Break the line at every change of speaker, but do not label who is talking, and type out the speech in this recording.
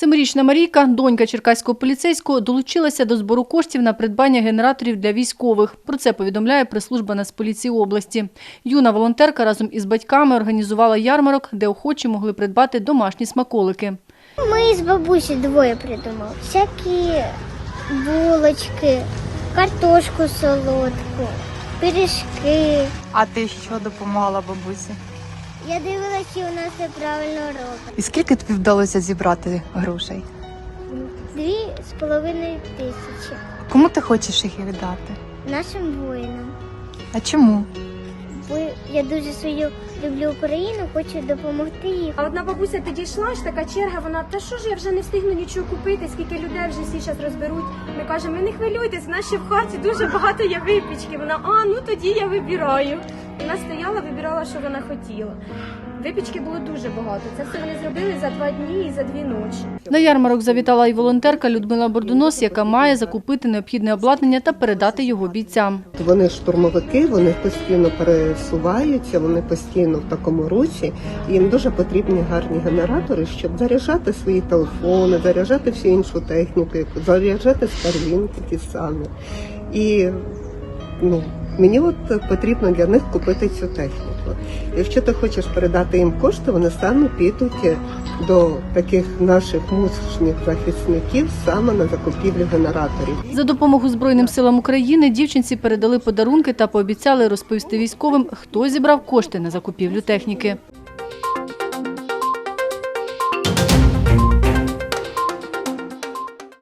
7-річна Марійка, донька черкаського поліцейського, долучилася до збору коштів на придбання генераторів для військових. Про це повідомляє прес-служба Нацполіції області. Юна волонтерка разом із батьками організувала ярмарок, де охочі могли придбати домашні смаколики.
Ми з бабусею двоє придумали. Всякі булочки, картошку солодку, пиріжки.
А ти що допомагала бабусі?
Я дивилася, що у нас все правильно робить.
І скільки тобі вдалося зібрати грошей?
2,5 тисячі.
Кому ти хочеш їх віддати?
Нашим воїнам.
А чому?
Бо я дуже свою люблю Україну, хочу допомогти їй.
А одна бабуся підійшла, ж така черга, вона, та що ж я вже не встигну нічого купити, скільки людей вже всі зараз розберуть. Ми кажемо, ви не хвилюйтесь, в нас ще в хаті дуже багато є випічки. Вона, ну тоді я вибираю. Вона стояла, вибирала, що вона хотіла. Випічки було дуже багато. Це все вони зробили за 2 дні і за 2 ночі.
На ярмарок завітала і волонтерка Людмила Бордунос, яка має закупити необхідне обладнання та передати його бійцям.
Вони штурмовики, вони постійно пересуваються, вони постійно в такому русі. І їм дуже потрібні гарні генератори, щоб заряджати свої телефони, заряджати всю іншу техніку, заряджати старлінки ті самі. І мені потрібно для них купити цю техніку. Якщо ти хочеш передати їм кошти, вони самі підуть до таких наших мужніх захисників саме на закупівлю генераторів.
За допомогу Збройним силам України дівчинці передали подарунки та пообіцяли розповісти військовим, хто зібрав кошти на закупівлю техніки.